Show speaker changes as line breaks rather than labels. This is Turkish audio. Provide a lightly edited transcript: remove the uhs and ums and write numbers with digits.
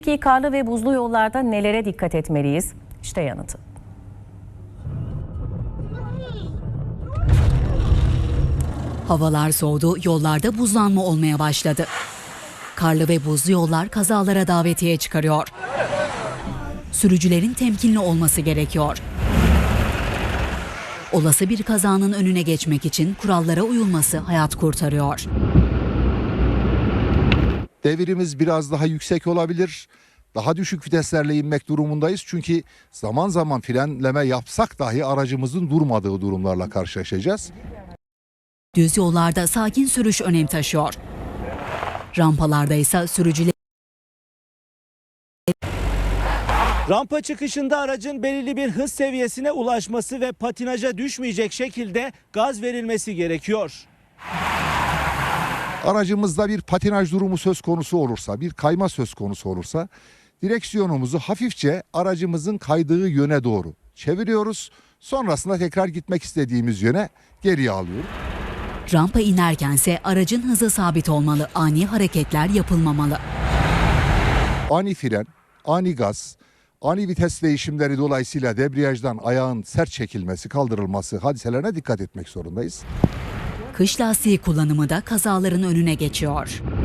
Peki karlı ve buzlu yollarda nelere dikkat etmeliyiz? İşte yanıtı.
Havalar soğudu, yollarda buzlanma olmaya başladı. Karlı ve buzlu yollar kazalara davetiye çıkarıyor. Sürücülerin temkinli olması gerekiyor. Olası bir kazanın önüne geçmek için kurallara uyulması hayat kurtarıyor.
Devirimiz biraz daha yüksek olabilir. Daha düşük viteslerle inmek durumundayız. Çünkü zaman zaman frenleme yapsak dahi aracımızın durmadığı durumlarla karşılaşacağız.
Düz yollarda sakin sürüş önem taşıyor. Rampalarda ise sürücüler
Rampa çıkışında aracın belirli bir hız seviyesine ulaşması ve patinaja düşmeyecek şekilde gaz verilmesi gerekiyor.
Aracımızda bir patinaj durumu söz konusu olursa, bir kayma söz konusu olursa direksiyonumuzu hafifçe aracımızın kaydığı yöne doğru çeviriyoruz. Sonrasında tekrar gitmek istediğimiz yöne geriye alıyoruz.
rampa inerkense aracın hızı sabit olmalı, ani hareketler yapılmamalı.
Ani fren, ani gaz, ani vites değişimleri dolayısıyla debriyajdan ayağın sert çekilmesi, kaldırılması hadiselerine dikkat etmek zorundayız.
Kış lastiği kullanımı da kazaların önüne geçiyor.